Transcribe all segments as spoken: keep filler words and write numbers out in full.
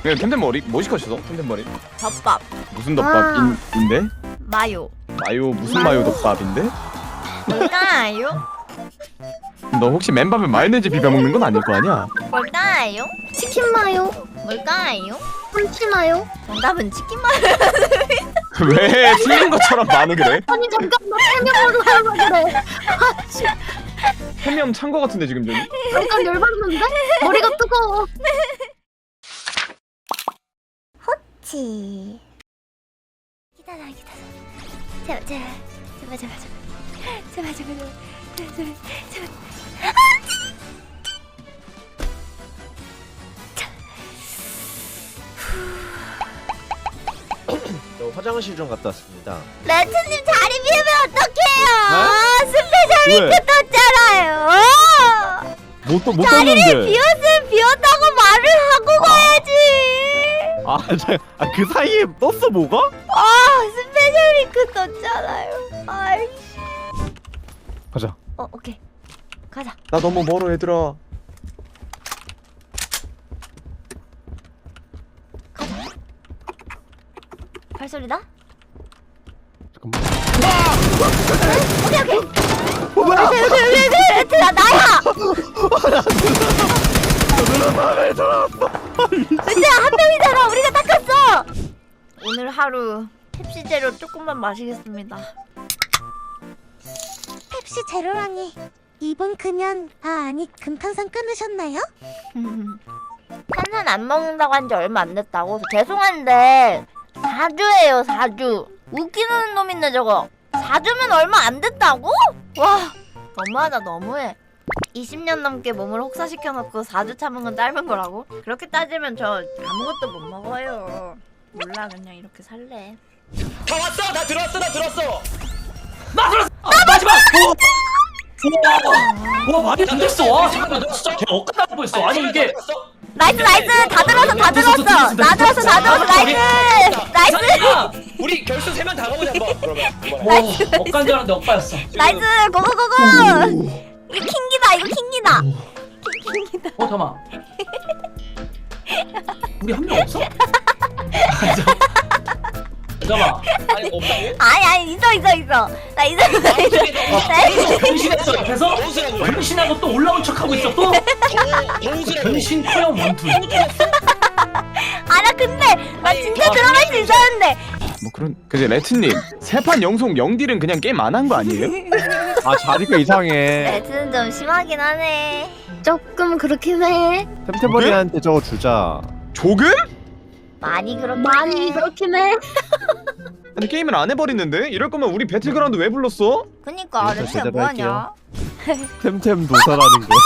네, 텐텐머리 뭐 시켰어? 텐텐머리 덮밥 무슨 덮밥인데? 마요 마요 무슨 마요 덮밥인데? 뭘까요? 너 혹시 맨밥에 마요네즈 비벼 먹는 건 아닐 거 아니야? 뭘까요? 치킨 마요? 뭘까요? 참치 마요? 정답은 치킨 마요. 왜 틀린 것처럼 반응 그래? 아니 잠깐만 해명으로 하려 그래. 아씨 해명 찬 거 같은데 지금 저기? 잠깐 열받는데? 머리가 뜨거워. 치. 기다려 기다려. 제발 제발 제발 제발 제발 제발 제발 제발 제발 제발. 저 화장실 좀 갔다 왔습니다. 레트님 자리 비우면 어떡해요? 왜? 스페셜 링크 떴잖아요. 뭐또 못 자리를 떴는데? 비웠으면 비웠다고 말을 하고 가야지. 아, 자, 아, 그 사이에 떴어 뭐가? 아 스페셜 링크 떴잖아요. 아이씨. 가자. 어 오케이 가자. 나 너무 멀어 얘들아. 발소리 나? 잠깐만. 오케이 오케이. 어, 뭐야? 여기 여기 여기 여기 레트 나 나야. 레트야 한 명이잖아. 우리가 닦았어. 오늘 하루 펩시 제로 조금만 마시겠습니다. 펩시 제로라니 이번 금연 아 아니 금탄산 끊으셨나요? 탄산 안 먹는다고 한 지 얼마 안 됐다고? 죄송한데 사 주예요 사 주. 웃기는 놈 있네 저거. 사 주면 얼마 안 됐다고? 와 너무하다 너무해. 이십 년 넘게 몸을 혹사시켜놓고 사 주 참은 건 짧은 거라고? 그렇게 따지면 저 아무것도 못 먹어요. 몰라 그냥 이렇게 살래. 다 왔어! 다 들어왔어! 다 들어왔어! 나 들어왔어! 아, 마지막! 와, 와 말이 안 됐어! 와, 잠깐만, 너 진짜 걔 엇갈릴 뻔했어. 아니 이게 나이스 나이스 다 들었어 다 들었어 다 들었어 다 들었어 나이스 나이스 우리 결승 세 명 다 가보자 한번. 그러면 와, 엇간 줄 알았는데 엇가였어. 나이스 고고고고. 이거 킹기다 이거 킹기다. 킹기다. 어, 잠깐만. 우리 한 명 없어? 아, 잠- 잠깐만. 아니 없다고? 아니 아니 있어 있어 있어 나 있어 있어 있어. 변신했어, 옆에서? 정우수라고. 변신하고 또 올라온 척하고 있어, 또? 정우수라고. 변신 토형 원투. 아나 근데 나 진짜 들어갈 수 있었는데. 뭐 그런 그제 레트님 세 판 영속 영딜은 그냥 게임 안 한 거 아니에요? 아, 자리가 이상해. 레트는 좀 심하긴 하네. 조금 그렇긴 해. 템템버리한테 저거 주자. 조금? 많이 그렇긴 많이 해. 그렇긴 해. 아니 게임을 안 해버리는데? 이럴 거면 우리 배틀그라운드 왜 불렀어? 그니까 일단 레트야 제대로 뭐하냐. 템템 도사라는 거.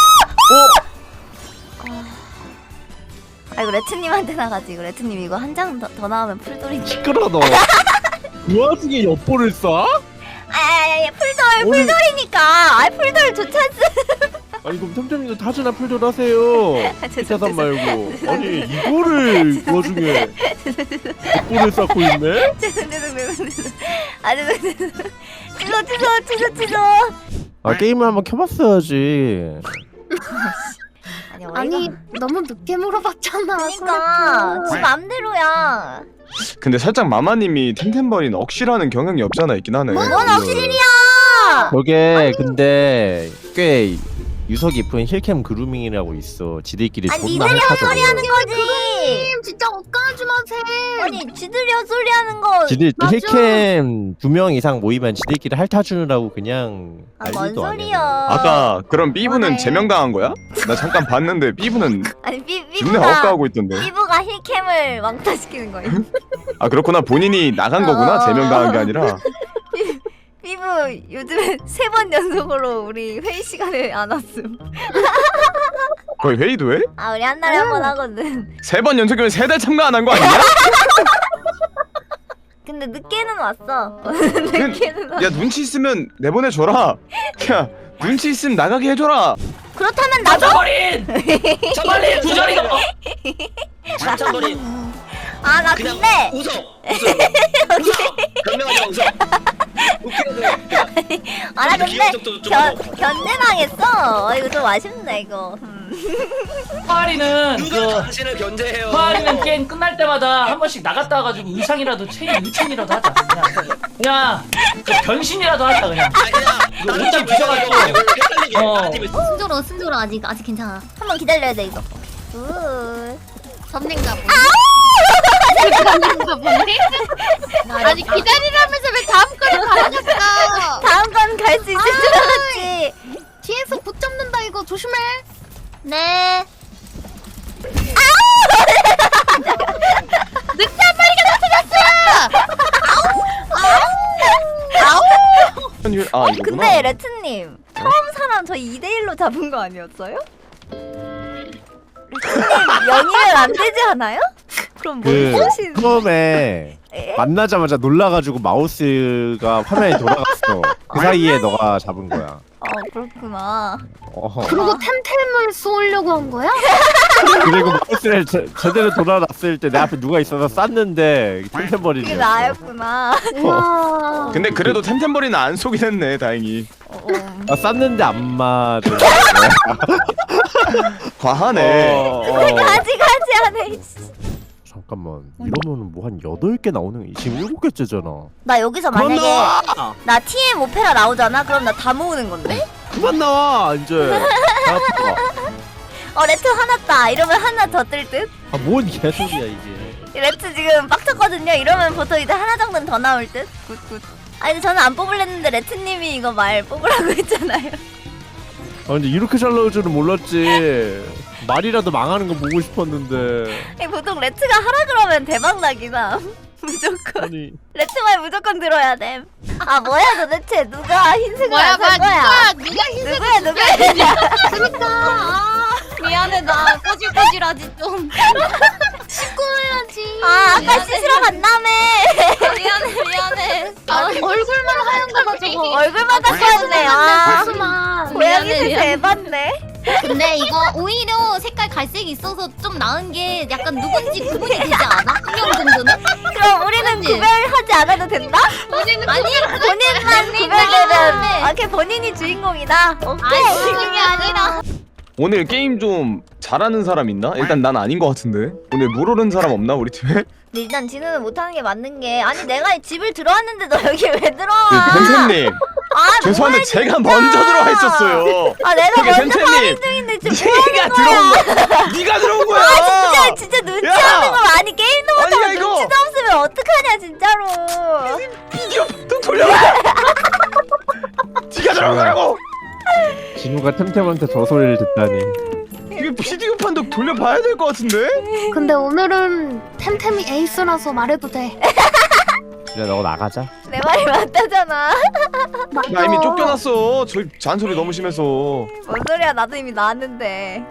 아 이거 레트님한테 나가지. 이거 레트님 이거 한 장 더 더 나오면 풀돌이. 시끄러 너. 그 와중에 엿보를 쏴? 아야야야 풀돌 오늘- 풀돌이니까. 아 풀돌 좋지 않습. 아니 그럼 템템이도 타주나 풀돌 하세요. 피타단 말고. 아니 이거를 그 와중에 엿보를 쌓고 있네? 죄송 죄송 죄송 죄송. 아 죄송 죄송. 취소 취소 취소 취소. 아 게임을 한번 켜봤어야지. 아니 아니 어이가. 너무 늦게 물어봤잖아. 그러니까 지 맘대로야. 근데 살짝 마마님이 템템버린 억시라는 경향이 없잖아 있긴 하네. 뭔 억실이야. 저게 근데 꽤 유서 깊은 힐캠 그루밍이라고 있어. 지들끼리 아니 존나 니들이 핥아줘. 헛소리 하는 거지. 님 진짜 엇가지 마세요. 아니 지들이 헛소리 하는 거. 지들 맞아. 힐캠 두 명 이상 모이면 지들끼리 핥아주느라고 그냥 아, 뭔 난리도 아니야. 소리야. 아까 그럼 삐부는 그만해. 제명당한 거야? 나 잠깐 봤는데 삐부는 아니 삐 존나 삐부가 억까하고 있던데. 삐부가 힐캠을 왕따시키는 거예요. 아 그렇구나 본인이 나간 거구나 어. 제명당한 게 아니라. 삐부 요즘에 세 번 연속으로 우리 회의 시간에 안 왔음. 거의 회의도 해? 아 우리 한 달에 한 번 하거든. 세 번 연속이면 세 달 참가 안 한 거 아니냐? 근데 늦게는 왔어. 늦게는 왔어. 야 눈치 있으면 내보내줘라. 야 눈치 있으면 나가게 해줘라. 그렇다면 나도. 자버린! 자버린 두 자리가. 장창거리 아 나 그냥 근데 웃어. 웃어. 웃어. 변명하지 마 웃어. 웃기거든. 아 나 좀 근데 귀여운 척도 좀 견 하고. 견제당했어. 어, 이거 좀 아쉽네 이거. 음. 파리는 누가 그 당신을 견제해요? 파리는 게임 끝날 때마다 한 번씩 나갔다 와가지고 의상이라도 체인 의체인이라도 하자. 그냥 그냥 그 변신이라도 하자 그냥. 아니야. 그 옷장 뒤져가지고. 어. 순조로 순조로 아직 아직 괜찮아. 한번 기다려야 돼 이거. 굿. 접는가 보네. 접는가 보네. 아니 기다리라면서 왜 다음 거를 가져갔어? 다음 건 갈 수 있을 줄 알았지. 뒤에서 못 접는다 이거 조심해. 네. 현율 아 이거구나. 근데 레트님 처음 사람 저 이 대 일로 잡은 거 아니었어요? 레트님 연이면 안 되지 않아요? 그럼 뭘 그 쓰신? 처음에 에? 만나자마자 놀라가지고 마우스가 화면이 돌아갔어. 그 사이에 너가 잡은 거야. 어 그렇구나. 어허. 그리고 템템을 쏘려고 한 거야? 그리고 마우스를 제, 제대로 돌아놨을 때 내 앞에 누가 있어서 쐈는데 템템버리네. 그게 나였구나. 와. 근데 그래도 템템버리는 안 쏘긴 했네 다행히. 어, 어. 아, 쐈는데 안 맞은 과하네. 어, 어. 가지 가지 하네. 잠깐만 이러면은 뭐 한 여덟 개 나오는 지금 일곱 개째잖아. 나 여기서 그만 만약에 나와! 나 티엠 오페라 나오잖아. 그럼 나 다 모으는 건데? 그만 나와 이제. 어 레트 화났다. 이러면 하나 더 뜰 듯? 아뭔 개소리야 이게. 레트 지금 빡쳤거든요. 이러면 보통 이제 하나 정도는 더 나올 듯? 굿굿. 아니 근데 저는 안 뽑으려는데 레트님이 이거 말 뽑으라고 했잖아요. 아 근데 이렇게 잘 나올 줄은 몰랐지. 말이라도 망하는 거 보고 싶었는데. 아니, 보통 레트가 하라 그러면 대박 나긴 함. 무조건. 아니 레트 말 무조건 들어야 됨. 아 뭐야 도대체 누가 흰색을 뭐야 안 뭐야 산 거야? 누가 누가 흰색 누구야 누구야? 그러니까 아, 미안해 나 꼬질꼬질하지 좀. 씻고 와야지. 아 아까 씻으러 간다며. 미안해 미안해. 아, 얼굴만 하얀 거다 저거. 얼굴만 닦았네. 아 복수만. 고양이 미안해, 색 미안해. 대박네. 근데 이거 오히려 색깔 갈색이 있어서 좀 나은 게 약간 누군지 구분이 되지 않아? 한 명 정도는? 그럼 우리는 그치? 구별하지 않아도 된다? 아니 본인만 구별되면 아, 걔 본인이 주인공이다. 오케이. 아니 그게 아니라 오늘 게임 좀 잘하는 사람 있나? 일단 난 아닌 것 같은데. 오늘 물 오른 사람 없나 우리 팀에? 일단 진우는 못하는 게 맞는 게 아니 내가 집을 들어왔는데 너 여기 왜 들어와? 템템님 아 죄송한데 뭐야, 제가 진짜. 먼저 들어와 있었어요. 아 내가 그게 먼저 템템님. 파밍 중인데 지금 뭐 네가 하는 들어온 거야? 거야. 네가 들어온 거야. 아 진짜 진짜 눈치 야! 없는 거 아니 게임도 아니야, 못하고 이거. 눈치도 없으면 어떡하냐 진짜로. 비디오 또 돌려봐. 네가 들어온 거라고. 진우가 템템한테 저 소리를 듣다니. 이게 비디오 판독 돌려봐야 될 것 같은데? 근데 오늘은 템템이 에이스라서 말해도 돼. 그래 너 나가자. 내 말이 맞다잖아. 나 이미 쫓겨났어. 저희 잔소리 너무 심해서. 뭔 소리야 나도 이미 나왔는데.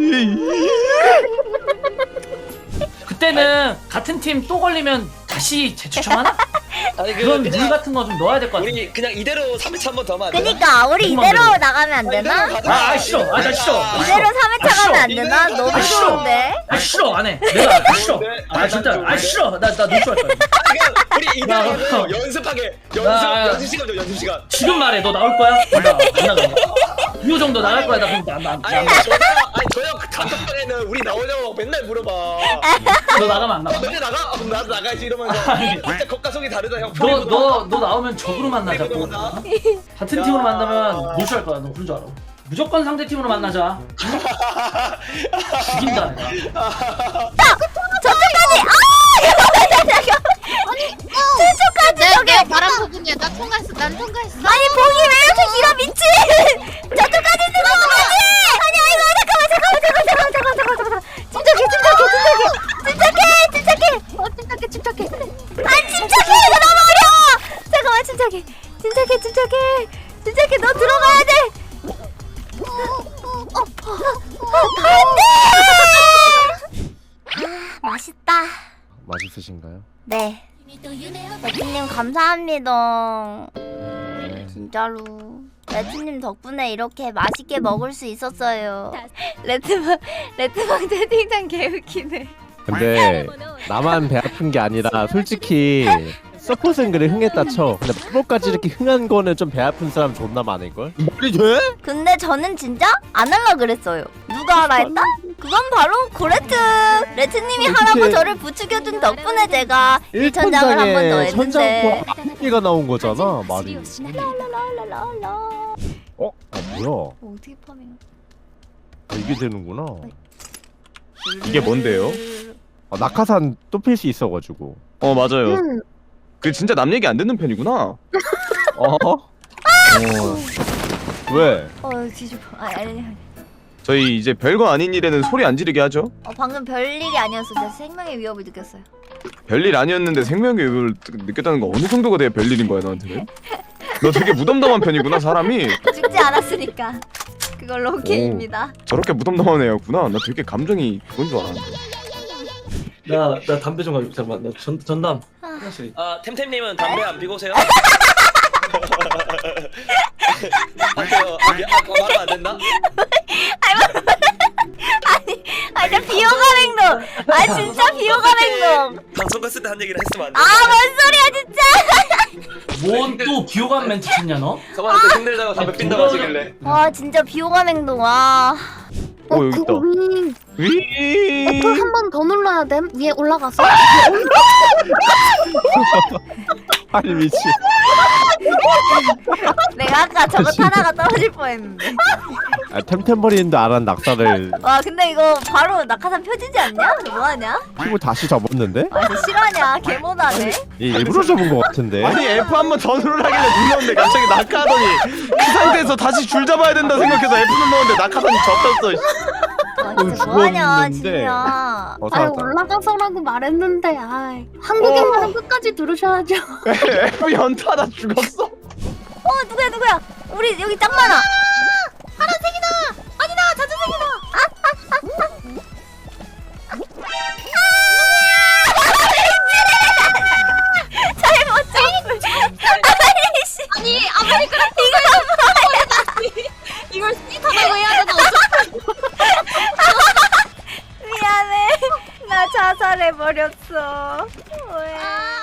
그때는 같은 팀 또 걸리면 다시 재추첨하나? 아니 그 그런 룰 그냥 같은 거 좀 넣어야 될 것 같아. 우리 그냥 이대로 삼 회차 한 번 더 하면 안 되나? 그니까 우리 조금만 이대로 더. 나가면 안 되나? 아, 아 싫어. 아, 나 싫어. 아, 이대로 싫어. 삼 회차 아, 싫어. 가면 안 되나? 이대로 너무 아, 싫어. 좋은데? 아 싫어 안 해. 내가 아, 싫어. 아 진짜 아 싫어. 나나 노출할 거야. 그냥 우리 이대로 야, 하고 연습하게 연습 야, 야. 연습 시간 줘 연습 시간. 지금 말해. 너 나올 거야? 나안 나가. 이 정도 나갈 거야. 나 그럼 나나 아니 나. 저녁 아니 저녁 단톡방에는 우리 나오냐고 맨날 물어봐. 너 나가면 안 나가. 너네 나가? 아, 그럼 나도 나가야지 이러면서 아니. 진짜 겉과 속이 다르다 형. 너 너 너 나오면 적으로 만나자고. 나. 같은 팀으로 만나면 노출할 거야. 너 그런 줄 알아. 무조건 상대 팀으로 만나자. 죽인다 내가. 저쪽까지! 아! 저쪽까지 내가 저기! 내가 말한 부분이야. 나 통과했어. 난 통과했어. 아니 봉이 왜 이렇게 길어 미친! 저쪽까지 있는 거 맞지? 아니 아니 잠깐만 잠깐만 잠깐만 잠깐만 잠깐만 잠깐만 침착해 침착해 침착해 침착해 침착해 어 침착해 침착해. 아 침착해 이거 너무 어려워 잠깐만 침착해 침착해 침착해 침착해 너 들어가야 돼 안돼 아 맛있다 맛있으신가요? 네 레트님 감사합니다 네. 진짜로 레트님 덕분에 이렇게 맛있게 먹을 수 있었어요 레트방 레트방 채팅창 개웃기네 근데 나만 배 아픈 게 아니라 솔직히 서폿은 그래 흥했다 쳐. 근데 프로까지 이렇게 흥한 거는 좀 배 아픈 사람 존나 많을걸? 말이 돼? 근데 저는 진짜 안 할라 그랬어요. 누가 하라 했다? 그건 바로 고레트. 레트님이 어떻게- 하라고 저를 부추겨준 덕분에 제가 일 천장을 한 번 더 했는데. 천장포가 나온 거잖아 말이. 랄랄랄랄랄라. 어? 아 뭐야? 어떻게 파밍? 아, 이게 되는구나. 이게 뭔데요? 아, 낙하산 또 필 수 있어가지고. 어 맞아요. 음. 그 진짜 남 얘기 안 듣는 편이구나. 어? 어. 왜? 어 뒤집어. 아니 아니 아니. 저희 이제 별거 아닌 일에는 소리 안 지르게 하죠. 어 방금 별일이 아니었어. 내 생명의 위협을 느꼈어요. 별일 아니었는데 생명의 위협을 느꼈다는 거 어느 정도가 돼야 별일인 거야 너한테는? 너 되게 무덤덤한 편이구나 사람이. 죽지 않았으니까 그걸로 오케이입니다. 저렇게 무덤덤한 애였구나. 나 되게 감정이 그건 줄 알았는데. 나, 나 담배 좀 가지고 잠깐만 나 전, 전담 아. 하나씩. 아 템템님은 담배 안 피고 오세요? 아까요 아까 말하면 안 됐나? 아 진짜 비호감 행동. 아 진짜 비호감 행동. 방송 갔을 때 한 얘기를 했으면 안 돼. 아 뭔 소리야 진짜. 뭔 또 비호감 멘트 쳤냐 너? 저번에 또 힘들다고 담배 핀다고 하시길래. 와 진짜 비호감 행동. 와. 어 여기 있다. 위. 한 번 더 눌러야 됨. 위에 올라가서. 아니 미치. 내가 아까 저거 타다가 떨어질 뻔했는데. 아 템템버리인데 안한 낙사를 와 근데 이거 바로 낙하산 펴지지 않냐? 뭐하냐? 피고 다시 접었는데? 아 진짜 실화냐? 개모나네. 얘 일부러 접은 거 같은데? 아니 F 한 번 더 누르라길래 눌렀는데 갑자기 낙하하더니 그 상태에서 다시 줄 잡아야 된다 생각해서 F 눌렀는데 낙하산이 접혔어. 아 진짜 뭐하냐 죽었는데. 진우야. 어 아 살았다. 올라가서라고 말했는데 아 한국인 어. 말은 끝까지 들으셔야죠. F 연타다 죽었어. 어 누구야 누구야? 우리 여기 짱 많아. 파란색이다. 아니다 자주색이다. 잘못 쳤어. 아이씨. 아니 아메리카노 이거 이걸 스피커라고 해야 되나 어쩌 미안해. 나 자살해 버렸어. 왜?